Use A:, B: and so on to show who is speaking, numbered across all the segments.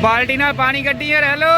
A: बाल्टी नाल पानी कड्डी है हेलो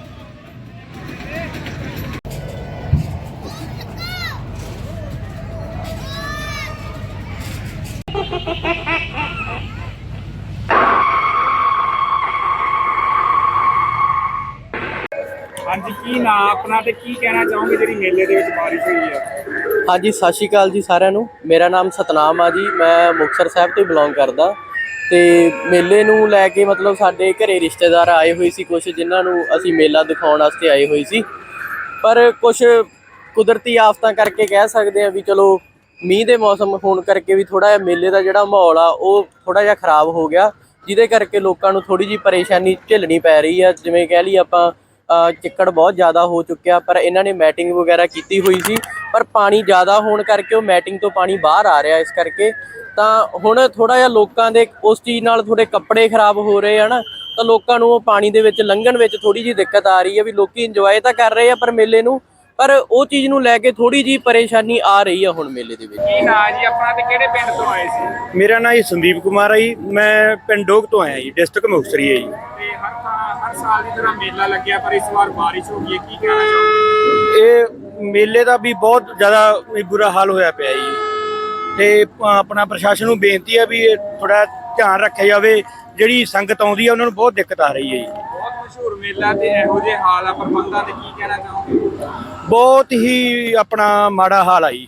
A: हाँ जी की ना अपना ते की कहना चाहोगे जी मेले दे विच बारिश हुई है।
B: हाँ जी सत श्री अकाल जी सारिਆਂ ਨੂੰ। मेरा नाम सतनाम आ जी, मैं मुक्तसर साहब तो बिलोंग करदा ਤੇ ਮੇਲੇ ਨੂੰ ਲੈ ਕੇ ਮਤਲਬ ਸਾਡੇ ਘਰੇ ਰਿਸ਼ਤੇਦਾਰ ਆਏ ਹੋਏ ਸੀ ਕੁਝ, ਜਿਨ੍ਹਾਂ ਨੂੰ ਅਸੀਂ ਮੇਲਾ ਦਿਖਾਉਣ ਵਾਸਤੇ ਆਏ ਹੋਏ ਸੀ। ਪਰ ਕੁਝ ਕੁਦਰਤੀ ਆਫਤਾਂ ਕਰਕੇ ਕਹਿ ਸਕਦੇ ਆ ਵੀ ਚਲੋ ਮੀਂਹ ਦੇ ਮੌਸਮ ਹੋਣ ਕਰਕੇ ਵੀ ਥੋੜਾ ਜਿਹਾ ਮੇਲੇ ਦਾ ਜਿਹੜਾ ਮਾਹੌਲ ਆ ਉਹ ਥੋੜਾ ਜਿਹਾ ਖਰਾਬ ਹੋ ਗਿਆ, ਜਿਹਦੇ ਕਰਕੇ ਲੋਕਾਂ ਨੂੰ ਥੋੜੀ ਜਿਹੀ ਪਰੇਸ਼ਾਨੀ ਝੱਲਣੀ ਪੈ ਰਹੀ ਆ। ਜਿਵੇਂ ਕਹਿ ਲਈ ਆਪਾਂ ਚਿੱਕੜ ਬਹੁਤ ਜ਼ਿਆਦਾ ਹੋ ਚੁੱਕਿਆ, ਪਰ ਇਹਨਾਂ ਨੇ ਮੈਟਿੰਗ ਵਗੈਰਾ ਕੀਤੀ ਹੋਈ ਸੀ, ਪਰ ਪਾਣੀ ਜ਼ਿਆਦਾ ਹੋਣ ਕਰਕੇ ਉਹ ਮੈਟਿੰਗ ਤੋਂ ਪਾਣੀ ਬਾਹਰ ਆ ਰਿਹਾ। ਇਸ ਕਰਕੇ ਤਾਂ ਹੁਣ ਥੋੜਾ ਜਿਹਾ ਲੋਕਾਂ ਦੇ ਉਸ ਚੀਜ਼ ਨਾਲ ਥੋੜੇ ਕੱਪੜੇ ਖਰਾਬ ਹੋ ਰਹੇ ਹਨ, ਤਾਂ ਲੋਕਾਂ ਨੂੰ ਉਹ ਪਾਣੀ ਦੇ ਵਿੱਚ ਲੰਘਣ ਵਿੱਚ ਥੋੜੀ ਜਿਹੀ ਦਿੱਕਤ ਆ ਰਹੀ ਹੈ। ਵੀ ਲੋਕੀ ਇੰਜੋਏ ਤਾਂ ਕਰ ਰਹੇ ਆ ਪਰ ਮੇਲੇ ਨੂੰ, ਪਰ ਉਹ ਚੀਜ਼ ਨੂੰ ਲੈ ਕੇ ਥੋੜੀ ਜਿਹੀ ਪਰੇਸ਼ਾਨੀ ਆ ਰਹੀ ਆ ਹੁਣ ਮੇਲੇ ਦੇ ਵਿੱਚ।
A: ਕੀ ਨਾ ਜੀ ਆਪਣਾ ਤੇ ਕਿਹੜੇ ਪਿੰਡ ਤੋਂ ਆਏ ਸੀ?
C: ਮੇਰਾ ਨਾਮ ਜੀ ਸੰਦੀਪ ਕੁਮਾਰ ਹੈ ਜੀ, ਮੈਂ ਪਿੰਡ ਡੋਗ ਤੋਂ ਆਇਆ ਜੀ, ਡਿਸਟ੍ਰਿਕਟ ਮੁਕਤਸਰ ਹੈ ਜੀ।
A: ਤੇ ਹਰ ਸਾਲ ਦੀ ਤਰ੍ਹਾਂ ਮੇਲਾ ਲੱਗਿਆ ਪਰ ਇਸ ਵਾਰ ਬਾਰਿਸ਼ ਹੋ ਗਈ ਹੈ, ਕੀ ਕਹਿਣਾ ਚਾਹੋਗੇ?
C: ਇਹ ਮੇਲੇ ਦਾ ਵੀ ਬਹੁਤ ਜ਼ਿਆਦਾ ਬੁਰਾ ਹਾਲ ਹੋਇਆ ਪਿਆ ਜੀ, ਤੇ ਆਪਣਾ ਪ੍ਰਸ਼ਾਸਨ ਨੂੰ ਬੇਨਤੀ ਹੈ ਵੀ ਥੋੜਾ ਧਿਆਨ ਰੱਖਿਆ ਜਾਵੇ। ਜਿਹੜੀ ਸੰਗਤ ਆਉਂਦੀ ਹੈ ਉਹਨਾਂ ਨੂੰ ਬਹੁਤ ਦਿੱਕਤ ਆ ਰਹੀ ਹੈ ਜੀ।
A: ਬਹੁਤ ਮਸ਼ਹੂਰ ਮੇਲਾ ਤੇ ਇਹੋ ਜਿਹੇ ਹਾਲ ਆ ਪ੍ਰਬੰਧਾਂ ਤੇ ਕੀ ਕਹਿਣਾ ਚਾਹੋਗੇ?
C: ਬਹੁਤ ਹੀ ਆਪਣਾ ਮਾੜਾ ਹਾਲ ਆ ਜੀ।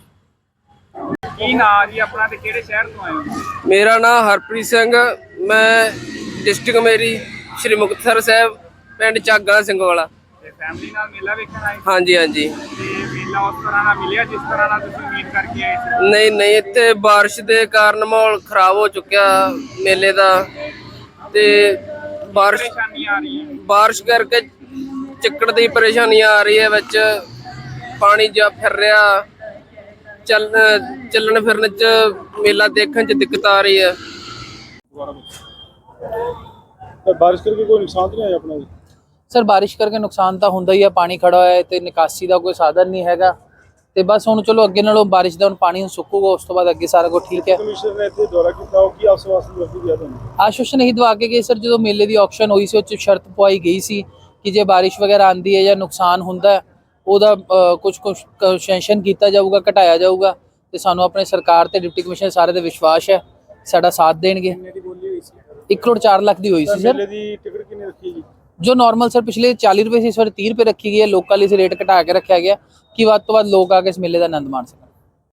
A: ਕੀ ਨਾ ਜੀ ਆਪਣਾ ਤੇ ਕਿਹੜੇ ਸ਼ਹਿਰ ਤੋਂ ਆਏ ਹੋ?
B: ਮੇਰਾ ਨਾਮ ਹਰਪ੍ਰੀਤ ਸਿੰਘ, ਮੈਂ ਡਿਸਟ੍ਰਿਕਟ ਮੇਰੀ ਸ਼੍ਰੀ ਮੁਕਤਸਰ ਸਾਹਿਬ, ਪਿੰਡ ਚਾਗਾ ਸਿੰਘ ਵਾਲਾ।
A: ਤੇ ਫੈਮਿਲੀ ਨਾਲ ਮੇਲਾ ਵੇਖਣ ਆਏ?
B: ਹਾਂਜੀ ਹਾਂਜੀ।
A: ਤੇ ਮੇਲਾ ਉਸ ਤਰ੍ਹਾਂ ਨਾਲ ਮਿਲਿਆ ਜਿਸ ਤਰ੍ਹਾਂ ਨਾਲ ਤੁਸੀਂ ਉਮੀਦ ਕਰਕੇ ਆਏ ਸੀ?
B: ਨਹੀਂ ਇੱਥੇ ਬਾਰਿਸ਼ ਦੇ ਕਾਰਨ ਮਾਹੌਲ ਖਰਾਬ ਹੋ ਚੁੱਕਿਆ ਮੇਲੇ ਦਾ, ਤੇ
A: ਪਰੇਸ਼ਾਨੀ ਆ ਰਹੀ ਹੈ?
B: ਬਾਰਿਸ਼ ਕਰਕੇ ਚਿੱਕੜ ਦੀ ਪਰੇਸ਼ਾਨੀ ਆ ਰਹੀ ਹੈ, ਵਿੱਚ ਪਾਣੀ ਜਾ ਫਿਰ ਰਿਹਾ, ਚੱਲਣ ਫਿਰਨ ਚ ਮੇਲਾ ਦੇਖਣ ਚ ਦਿੱਕਤ ਆ ਰਹੀ ਹੈ।
C: ਬਾਰਿਸ਼ ਕਰਕੇ ਕੋਈ ਨੁਕਸਾਨ ਤਾਂ ਨਹੀਂ ਆਇਆ ਆਪਣਾ ਜੀ?
D: ਸਰ ਬਾਰਿਸ਼ ਕਰਕੇ ਨੁਕਸਾਨ ਤਾਂ ਹੁੰਦਾ ਹੀ ਆ, ਪਾਣੀ ਖੜਾ ਹੋਇਆ ਹੈ ਤੇ ਨਿਕਾਸੀ ਦਾ ਕੋਈ ਸਾਧਨ ਨਹੀਂ ਹੈਗਾ, ਤੇ ਬਸ ਹੁਣ ਚਲੋ ਅੱਗੇ ਨਾਲੋਂ ਬਾਰਿਸ਼ ਦਾ ਹੁਣ ਪਾਣੀ ਸੁੱਕੂਗਾ, ਉਸ ਤੋਂ ਬਾਅਦ ਅੱਗੇ ਸਾਰਾ ਕੁਝ ਠੀਕ ਹੈ।
C: ਕਮਿਸ਼ਨਰ ਨੇ ਇੱਥੇ ਦੌਰਾ ਕੀਤਾ, ਉਹ ਕੀ ਆਸ਼ਵਾਸਨ ਦਿੱਤਾ ਤੁਹਾਨੂੰ?
D: ਆਸ਼ਵਾਸਨ ਇਹੀ ਦਵਾ ਕੇ ਗਏ ਸਰ, ਜਦੋਂ ਮੇਲੇ ਦੀ ਆਕਸ਼ਨ ਹੋਈ ਸੀ ਉਹ 'ਚ ਸ਼ਰਤ ਪਵਾਈ ਗਈ ਸੀ ਕਿ ਜੇ ਬਾਰਿਸ਼ ਵਗੈਰਾ ਆਉਂਦੀ ਹੈ ਜਾਂ ਨੁਕਸਾਨ ਹੁੰਦਾ ਉਹਦਾ ਕੁਝ ਕੰਸੈਸ਼ਨ ਕੀਤਾ ਜਾਊਗਾ, ਘਟਾਇਆ ਜਾਊਗਾ, ਤੇ ਸਾਨੂੰ ਆਪਣੇ ਸਰਕਾਰ ਤੇ ਡਿਪਟੀ ਕਮਿਸ਼ਨਰ ਸਾਰੇ ਤੇ ਵਿਸ਼ਵਾਸ ਹੈ ਸਾਡਾ ਸਾਥ ਦੇਣਗੇ। 1 ਕਰੋੜ 4 ਲੱਖ ਦੀ ਹੋਈ ਸੀ ਸਰ।
C: ਮੇਲੇ ਦੀ ਟਿਕਟ ਕਿੰਨੀ ਰੱਖੀ ਜੀ?
D: जो नॉर्मल सर पिछले 40 रुपए से इस बार 30 रुपए रखी गई है, लोकल इसे रेट घटा के रखा गया कि ਵੱਧ ਤੋਂ ਵੱਧ लोग आके इस मेले का आनंद माण सकन।